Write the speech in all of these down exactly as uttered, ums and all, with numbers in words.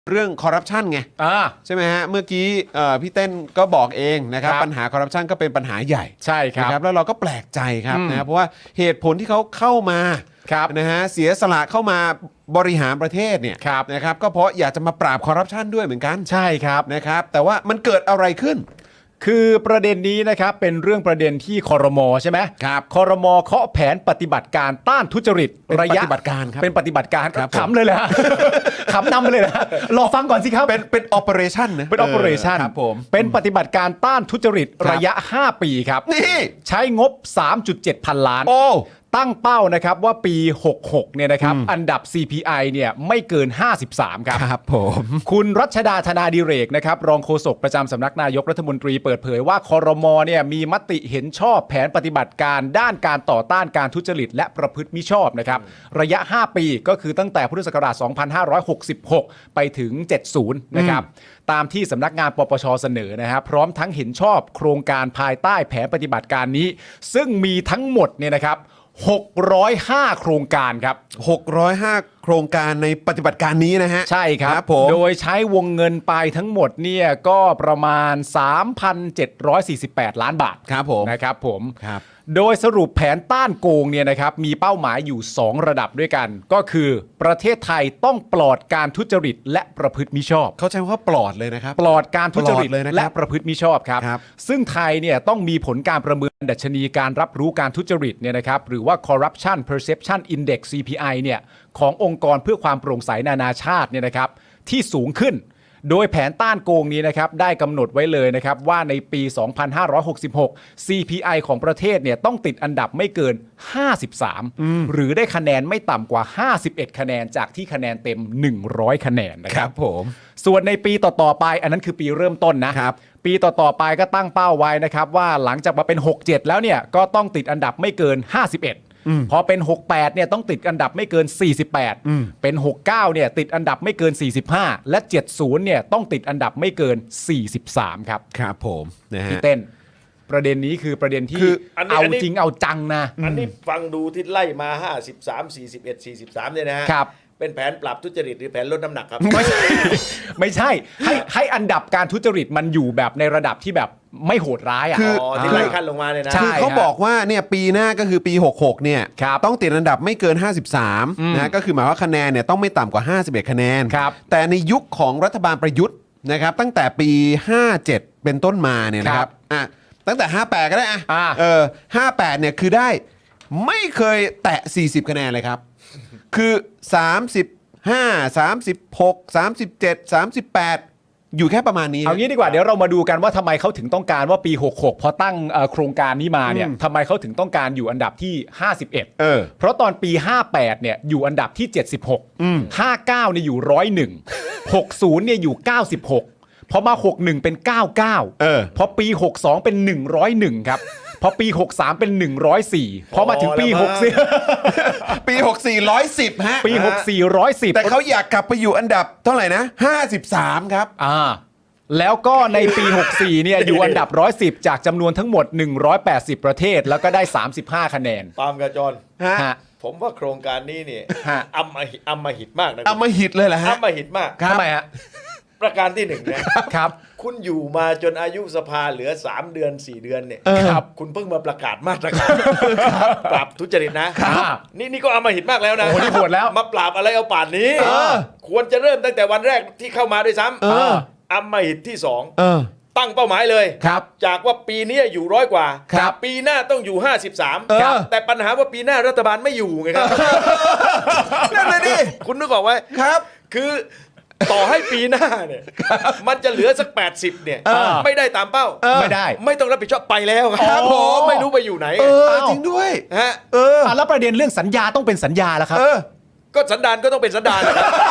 เรื่องคอร์รัปชันไงอ่าใช่ไหมฮะเมื่อกี้พี่เต้นก็บอกเองนะครับปัญหาคอร์รัปชันก็เป็นปัญหาใหญ่ใช่ครับนะแล้วเราก็แปลกใจครับนะเพราะว่าเหตุผลที่เขาเข้ามานะฮะเสียสละเข้ามาบริหารประเทศเนี่ยนะครับก็เพราะอยากจะมาปราบคอร์รัปชันด้วยเหมือนกันใช่ครับนะครับแต่ว่ามันเกิดอะไรขึ้นคือประเด็นนี้นะครับเป็นเรื่องประเด็นที่ครม.ใช่ไหมครับครม.เคาะแผนปฏิบัติการต้านทุจริตระยะปฏิบัติการครับเป็นปฏิบัติการครับขำเลยแหละ ขำนำไปเลยนะรอฟังก่อนสิครับเป็นเป็น operation นะเป็น operation ครับผมเป็นปฏิบัติการต้านทุจริตระยะห้าปีครับนี่ใช้งบ สามจุดเจ็ด พันล้านโอ้ตั้งเป้านะครับว่าปีหกสิบหกเนี่ยนะครับอันดับ ซี พี ไอ เนี่ยไม่เกินห้าสิบสามครับครับผมคุณรัชดาธนาดิเรกนะครับรองโฆษกประจำสำนักนายกรัฐมนตรีเปิดเผยว่าครม.เนี่ยมีมติเห็นชอบแผนปฏิบัติการด้านการต่อต้านการทุจริตและประพฤติมิชอบนะครับระยะห้าปีก็คือตั้งแต่พุทธศักราชสองพันห้าร้อยหกสิบหกไปถึงเจ็ดสิบนะครับตามที่สำนักงานปปช.เสนอนะครับพร้อมทั้งเห็นชอบโครงการภายใต้แผนปฏิบัติการนี้ซึ่งมีทั้งหมดเนี่ยนะครับหกร้อยห้าโครงการครับหกร้อยห้าโครงการในปฏิบัติการนี้นะฮะใช่ครับผมโดยใช้วงเงินไปทั้งหมดเนี่ยก็ประมาณ สามพันเจ็ดร้อยสี่สิบแปด ล้านบาทครับผมนะครับผมครับโดยสรุปแผนต้านโกงเนี่ยนะครับมีเป้าหมายอยู่สองระดับด้วยกันก็คือประเทศไทยต้องปลอดการทุจริตและประพฤติมิชอบเขาใช้คำว่าปลอดเลยนะครับปลอดการทุจริตและประพฤติมิชอบครับซึ่งไทยเนี่ยต้องมีผลการประเมินดัชนีการรับรู้การทุจริตเนี่ยนะครับหรือว่า Corruption Perception Index ซี พี ไอ เนี่ยขององค์กรเพื่อความโปร่งใสนานาชาติเนี่ยนะครับที่สูงขึ้นโดยแผนต้านโกงนี้นะครับได้กำหนดไว้เลยนะครับว่าในปี สองพันห้าร้อยหกสิบหก ซี พี ไอ ของประเทศเนี่ยต้องติดอันดับไม่เกินห้าสิบสามหรือได้คะแนนไม่ต่ำกว่าห้าสิบเอ็ดคะแนนจากที่คะแนนเต็มหนึ่งร้อยคะแนนนะครับครับผมส่วนในปีต่อๆไปอันนั้นคือปีเริ่มต้นนะครับปีต่อๆไปก็ตั้งเป้าไว้นะครับว่าหลังจากมาเป็นหกสิบเจ็ดแล้วเนี่ยก็ต้องติดอันดับไม่เกินห้าสิบเอ็ดพอเป็นหกสิบแปดเนี่ยต้องติดอันดับไม่เกินสี่สิบแปดเป็นหกสิบเก้าเนี่ยติดอันดับไม่เกินสี่สิบห้าและเจ็ดสิบเนี่ยต้องติดอันดับไม่เกินสี่สิบสามครับครับผมนะฮะพี่เต้นประเด็นนี้คือประเด็นที่เอาจริงเอาจังนะอันนี้ฟังดูที่ไล่มาห้าสิบสาม สี่สิบเอ็ด สี่สิบสามเนี่ยนะฮะครับเป็นแผนปราบทุจริตหรือแผนลดน้ำหนักครับไม่ใช่ไม่ใช่ให้ให้อันดับการทุจริตมันอยู่แบบในระดับที่แบบไม่โหดร้ายอ่ะคือที่ไล่ขั้นลงมาเนี่ยนะคือเขาบอกว่าเนี่ยปีหน้าก็คือปีหกสิบหกเนี่ยต้องติดอันดับไม่เกินห้าสิบสามนะก็คือหมายว่าคะแนนเนี่ยต้องไม่ต่ำกว่าห้าสิบเอ็ดคะแนนแต่ในยุคของรัฐบาลประยุทธ์นะครับตั้งแต่ปีห้าเจ็ดเป็นต้นมาเนี่ยนะครับอ่ะตั้งแต่ห้าแปดก็ได้อ่ะเออห้าแปดเนี่ยคือได้ไม่เคยแตะสี่สิบคะแนนเลยครับคือสามสิบห้า สามสิบหก สามสิบเจ็ด สามสิบแปดอยู่แค่ประมาณนี้เอางี้ดีกว่าเดี๋ยวเรามาดูกันว่าทำไมเขาถึงต้องการว่าปีหกสิบหกพอตั้งโครงการนี้มาเนี่ยทำไมเขาถึงต้องการอยู่อันดับที่ห้าสิบเอ็ดเออเพราะตอนปีห้าแปดเนี่ยอยู่อันดับที่เจ็ดสิบหกห้าสิบเก้าเนี่ยอยู่หนึ่งร้อยเอ็ด หกสิบเนี่ยอยู่เก้าสิบหกพอมาหกสิบเอ็ดเป็นเก้าสิบเก้าเออพอปีหกสิบสองเป็นหนึ่งร้อยเอ็ดครับพอปีหกสิบสามเป็นหนึ่งร้อยสี่พอมาถึงปีหกสิบปีหกสิบสี่ หนึ่งร้อยสิบฮะปีหกสิบสี่ หนึ่งร้อยสิบแต่เขาอยากกลับไปอยู่อันดับเท่าไหร่นะห้าสิบสามครับอ่าแล้วก็ในปีหกสิบสี่เนี่ยอยู่อันดับหนึ่งร้อยสิบจากจำนวนทั้งหมดหนึ่งร้อยแปดสิบประเทศแล้วก็ได้สามสิบห้าคะแนนปาล์มกับจอนฮะผมว่าโครงการนี้เนี่ยอำมหิตอำมหิตมากนะอำมหิตเลยเหรอฮะอำมหิตมากทำไมฮะประการที่หนึ่งนะครับคุณอยู่มาจนอายุสภาเหลือสามเดือนสี่เดือนเนี่ยครับคุณเพิ่งมาประกาศมาตรการปราบทุจริตนะนี่นี่ก็อำมหิตมากแล้วนะโอ้นี่โหดแล้วมาปราบอะไรเอาป่านนี้ควรจะเริ่มตั้งแต่วันแรกที่เข้ามาด้วยซ้ำอำมหิตที่สองตั้งเป้าหมายเลยจากว่าปีนี้อยู่ร้อยกว่าปีหน้าต้องอยู่ห้าสิบสามแต่ปัญหาว่าปีหน้ารัฐบาลไม่อยู่ไงครับนั่นเลยดิคุณนึกออกไหมครับคือต่อให้ปีหน้าเนี่ยมันจะเหลือสักแปดสิบเนี่ยไม่ได้ตามเป้าไม่ได้ไม่ต้องรับผิดชอบไปแล้วครับผมไม่รู้ไปอยู่ไหนเออจริงด้วยฮะเออแล้วประเด็นเรื่องสัญญาต้องเป็นสัญญาแล้วครับก็สันดานก็ต้องเป็นสันดาน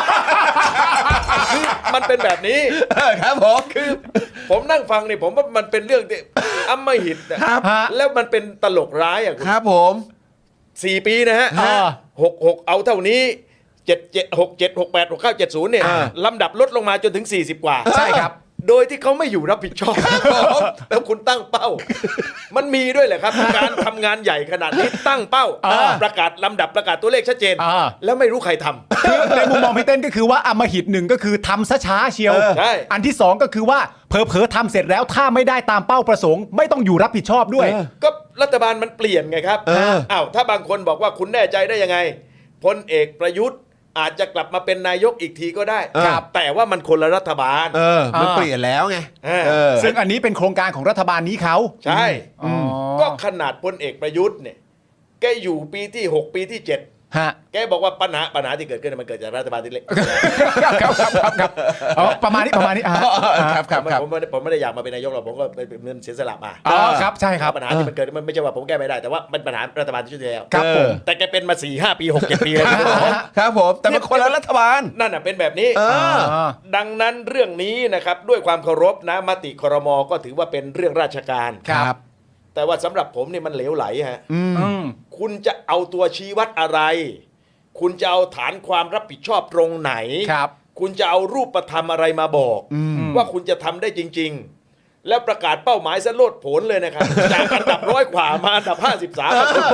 คือมันเป็นแบบนี้ครับผมคือผมนั่งฟังเนี่ยผมว่ามันเป็นเรื่องที่อำมหิตครับแล้วมันเป็นตลกร้ายอ่ะครับผมสี่ปีนะฮะหกหกเอาเท่านี้เจ็ดเจ็ดหกเจ็ดหกแปดหกเก้าเจ็ดศูนย์เนี่ยลำดับลดลงมาจนถึงสี่สิบกว่าใช่ครับโดยที่เขาไม่อยู่รับผิดชอบแล้วคุณตั้งเป้า มันมีด้วยแหละครับ การทำงานใหญ่ขนาดนี้ตั้งเป้า ประกาศลำดับประกาศตัวเลขชัดเจน แล้วไม่รู้ใครทำคือในมุมมองพี่เต้นก็คือว่าอำมหิตหนึ่งก็คือทำช้าๆเชียวใช่อันที่สองก็คือว่าเผลอๆทำเสร็จแล้วถ้าไม่ได้ตามเป้าประสงค์ไม่ต้องอยู่รับผิดชอบด้วยก็รัฐบาลมันเปลี่ยนไงครับเอออ้าวถ้าบางคนบอกว่าคุณแน่ใจได้ยังไงพลเอกประยุทธ์อาจจะกลับมาเป็นนายกอีกทีก็ได้ครับแต่ว่ามันคนละรัฐบาลเออมันอ่าเปลี่ยนแล้วไงเออเออซึ่งอันนี้เป็นโครงการของรัฐบาลนี้เขาใช่อ๋อก็ขนาดพลเอกประยุทธ์เนี่ยแกอยู่ปีที่หกปีที่เจ็ดฮะแกบอกว่าปัญหาปัญหาที่เกิดขึ้นมันเกิดจากรัฐบาลที่เล็กครับครับครับครับอ๋อประมาณนี้ประมาณนี้อ่ะครับครับครับผมไม่ได้ผมไม่ได้อยากมาเป็นนายกหรอกผมก็เป็นเงินเสียสละมาอ๋อครับใช่ครับปัญหาที่มันเกิดมันไม่ใช่ว่าผมแก้ไม่ได้แต่ว่ามันปัญหารัฐบาลที่ช่วยแล้วครับผมแต่แกเป็นมาสี่ห้าปีหกเจ็ดปีแล้วครับผมครับผมแต่มันคนละรัฐบาลนั่นน่ะเป็นแบบนี้เออดังนั้นเรื่องนี้นะครับด้วยความเคารพนะมติครมก็ถือว่าเป็นเรื่องราชการครับแต่ว่าสำหรับผมเนี่ยมันเหลวไหลฮะอืมคุณจะเอาตัวชี้วัดอะไร คุณจะเอาฐานความรับผิดชอบตรงไหนครับคุณจะเอารูปธรรมอะไรมาบอก ว่าคุณจะทำได้จริง ๆ แล้วประกาศเป้าหมายซะโลดโผนเลยนะครับ จากอันดับร้อยกว่ามาอันดับห้าสิบสาม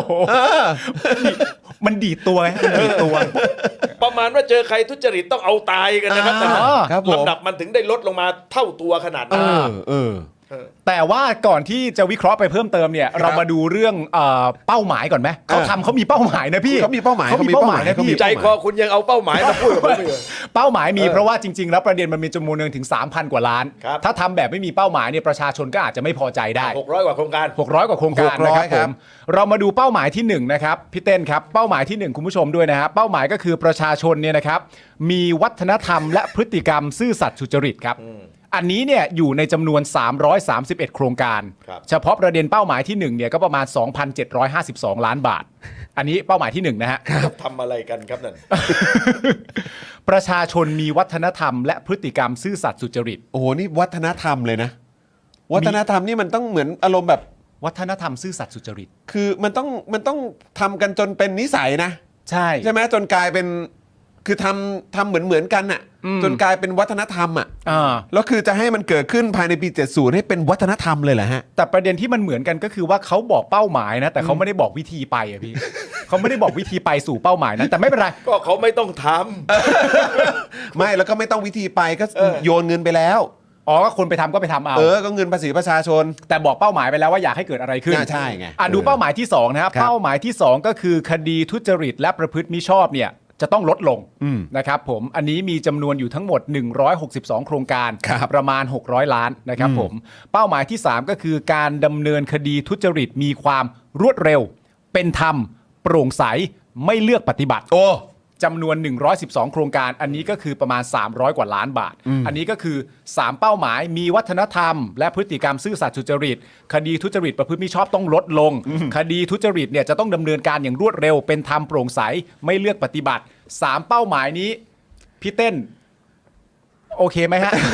มันดีดตัวไงมันดีดตัวประมาณว่าเจอใครทุจริตต้องเอาตายกันนะครับอ่าแต่ครับผมลำดับมันถึงได้ลดลงมาเท่าตัวขนาดเอนั้นอเออแต่ว่าก่อนที่จะวิเคราะห์ไปเพิ่มเติมเนี่ย เรามาดูเรื่องเอ่อเป้าหมายก่อนไหมเขาทำเขามีเป้าหมายนะพี่เขามีเป้าหมายเขามีเป้าหมายนะเขามีพี่ใจคอคุณยังเอาเป้าหมายมาพูดกับผมอีกเหรอเป้าหมายมีเพราะว่าจริง ๆ แล้วประเด็นมันมีจำนวนหนึ่งถึง สามพัน กว่าล้านครับถ้าทำแบบไม่มีเป้าหมายเนี่ยประชาชนก็อาจจะไม่พอใจได้หกร้อยกว่าโครงการหกร้อยกว่าโครงการหกร้อยนะครับคผรับมเรามาดูเป้าหมายที่หนึ่งนะครับพี่เต้นครับเป้าหมายที่หนึ่งคุณผู้ชมด้วยนะครับเป้าหมายก็คือประชาชนเนี่ยนะครับมีวัฒนธรรมและพฤติกรรมซื่อสัตย์สุจริตครับอันนี้เนี่ยอยู่ในจำนวนสามร้อยสามสิบเอ็ดโครงการครับเฉพาะประเด็นเป้าหมายที่หนึ่งเนี่ยก็ประมาณ สองพันเจ็ดร้อยห้าสิบสอง ล้านบาท อันนี้เป้าหมายที่หนึ่งนะฮะทำอะไรกันครับนั่นประชาชนมีวัฒนธรรมและพฤติกรรมซื่อสัตย์สุจริตโอ้โหนี่วัฒนธรรมเลยนะ วัฒนธรรมนี่มันต้องเหมือนอารมณ์แบบวัฒนธรรมซื่อสัตย์สุจริตคือมันต้องมันต้องทำกันจนเป็นนิสัยนะใช่ใช่ไหมจนกลายเป็นคือทำทำเหมือนเหมือนกันน่ะอืมจนกลายเป็นวัฒนธรรมอ่ะอ่าแล้วคือจะให้มันเกิดขึ้นภายในปีเจ็ดสิบให้เป็นวัฒนธรรมเลยเหรอฮะแต่ประเด็นที่มันเหมือนกันก็คือว่าเขาบอกเป้าหมายนะ แต่เขาไม่ได้บอกวิธีไปอะพี่ เขาไม่ได้บอกวิธีไปสู่เป้าหมายนั้นแต่ไม่เป็นไรก็เขาไม่ต้องทไม่แล้วก็ไม่ต้องวิธีไปก็โยนเงินไปแล้วอ๋อก็คนไปทำก็ไปทำเอาเออก็เงินภาษีประชาชนแต่บอกเป้าหมายไปแล้วว่าอยากให้เกิดอะไรขึ้นน่าใช่ไงอ่ะดูเป้าหมายที่สองนะครับครับเป้าหมายที่สองก็คือคดีทุจริตและประพฤติมิชอบเนี่ยจะต้องลดลงอืมนะครับผมอันนี้มีจำนวนอยู่ทั้งหมดหนึ่งร้อยหกสิบสองโครงการครับประมาณหกร้อยล้านนะครับผมเป้าหมายที่สามก็คือการดำเนินคดีทุจริตมีความรวดเร็ว เป็นธรรม โปร่งใสไม่เลือกปฏิบัติโอ้จำนวนหนึ่งร้อยสิบสองโครงการ อันนี้ก็คือประมาณสามร้อยกว่าล้านบาท อันนี้ก็คือสามเป้าหมายมีวัฒนธรรม และพฤติกรรมซื่อสัตย์สุจริต คดีทุจริตประพฤติมิชอบต้องลดลง คดีทุจริตเนี่ยจะต้องดำเนินการอย่างรวดเร็ว เป็นธรรมโปร่งใสไม่เลือกปฏิบัติสามเป้าหมายนี้พี่เต้น โอเคไหมฮะ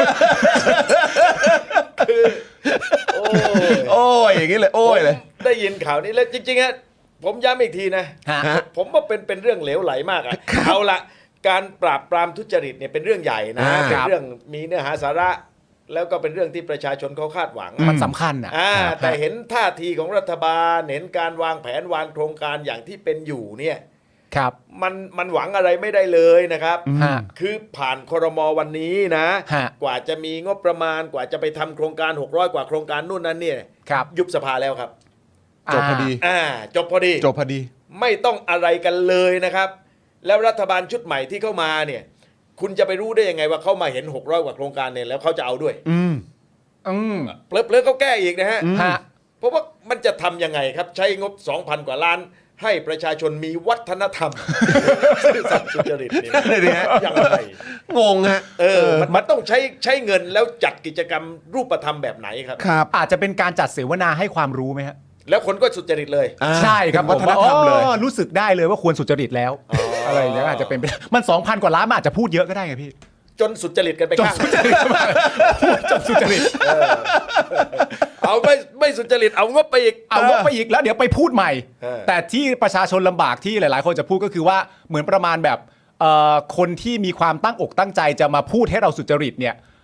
ำโอ้ยโอ้ยอย่างนี้เลยโอ้ยเลยผมได้ยินข่าวนี้แล้วจริงๆฮะผมย้ำอีกทีนะฮะผมว่าเป็นเป็นเรื่องเหลวไหลมากอะเอาละการปราบปรามทุจริตเนี่ยเป็นเรื่องใหญ่นะอ่าเป็นเรื่องมีเนื้อหาสาระ แล้วก็เป็นเรื่องที่ประชาชนเขาคาดหวังมันสำคัญอ่ะอ่าแต่เห็นท่าทีของรัฐบาลเห็นการวางแผนวางโครงการอย่างที่เป็นอยู่เนี่ยครับมันมันหวังอะไรไม่ได้เลยนะครับฮะคือผ่านครมวันนี้นะฮะกว่าจะมีงบประมาณกว่าจะไปทำโครงการหกร้อยกว่าโครงการนู่นนั่นเนี่ยครับยุบสภาแล้วครับจบพอดีอ่าจบพอดีจบพอดีไม่ต้องอะไรกันเลยนะครับ แล้วรัฐบาลชุดใหม่ที่เข้ามาเนี่ย คุณจะไปรู้ได้ยังไงว่าเขามาเห็นหกร้อยกว่าโครงการเนี่ยแล้วเขาจะเอาด้วยอืมอืมเพลิดๆเขาแก้อีกนะฮะฮะเพราะว่ามันจะทำยังไงครับ ใช้งบ สองพัน กว่าล้าน ให้ประชาชนมีวัฒนธรรม ซื่อสัตย์สุจริตนี่นั่นเลยดิฮะยังไงงงฮะเออมันมันต้องใช้ใช้เงินแล้วจัดกิจกรรมรูปธรรมแบบไหนครับครับอาจจะเป็นการจัดเสวนาให้ความรู้ไหมฮะแล้วคนก็สุจริตเลยอ่าใช่ครับเป็นวัฒนธรรมเลยอ๋อรู้สึกได้เลยว่าควรสุจริตแล้วอ๋อออะไรอย่างเงี้ยอาจจะเป็นไปได้มัน สองพัน กว่าล้านมันอาจจะพูดเยอะก็ได้ไงพี่จนสุจริตกันไปจนข้างสุจริตมากพูดจนสุจริตเอาไม่ไม่สุจริตเอางบไปอีกเอางบไปอีกแล้วเดี๋ยวไปพูดใหม่เออแต่ที่ประชาชนลำบากที่หลาย ๆ คนจะพูดก็คือว่าเหมือนประมาณแบบเอ่อคนที่มีความตั้งอกตั้งใจจะมาพูดให้เราสุจริตเนี่ย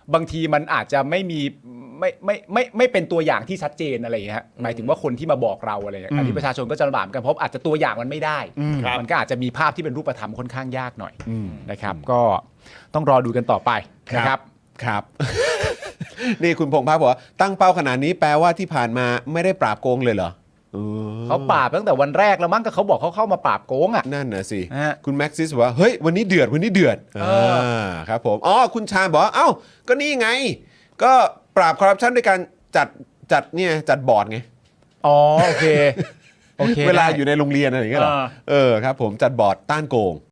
บางทีมันอาจจะไม่มีไม่ไม่ไม่ไม่เป็นตัวอย่างที่ชัดเจนอะไรอย่างเงี้ยฮะหมายถึงว่าคนที่มาบอกเราอะไรอย่างเงี้ยอันนี้ประชาชนก็จะลำบากเหมือนกันเพราะอาจจะตัวอย่างมันไม่ได้ครับมันก็อาจจะมีภาพที่เป็นรูปธรรมค่อนข้างยากหน่อยนะครับ ก็ต้องรอดูกันต่อไปนะครับครับ นี่คุณพงษ์ภาพบอกว่าตั้งเป้าขนาดนี้แปลว่าที่ผ่านมาไม่ได้ปราบโกงเลยเหรอเออเขาปราบตั้งแต่วันแรกแล้วมั้งก็เขาบอกเขาเข้ามาปราบโกงอ่ะนั่นน่ะสิฮะคุณแม็กซิสบอกว่าเฮ้ยวันนี้เดือดวันนี้เดือดเอออ่าครับผมอ๋อคุณชาญบอกว่าเอ้าก็นี่ไง ก็ปราบคอร์รัปชันด้วยการจัดจัดเนี่ยจัดบอร์ดไงอ๋อโอเคโอเคเวลาได้อยู่ในโรงเรียนอะไรอย่างเงี้ยเหรอเออเออครับผมจัดบอร์ดต้านโกง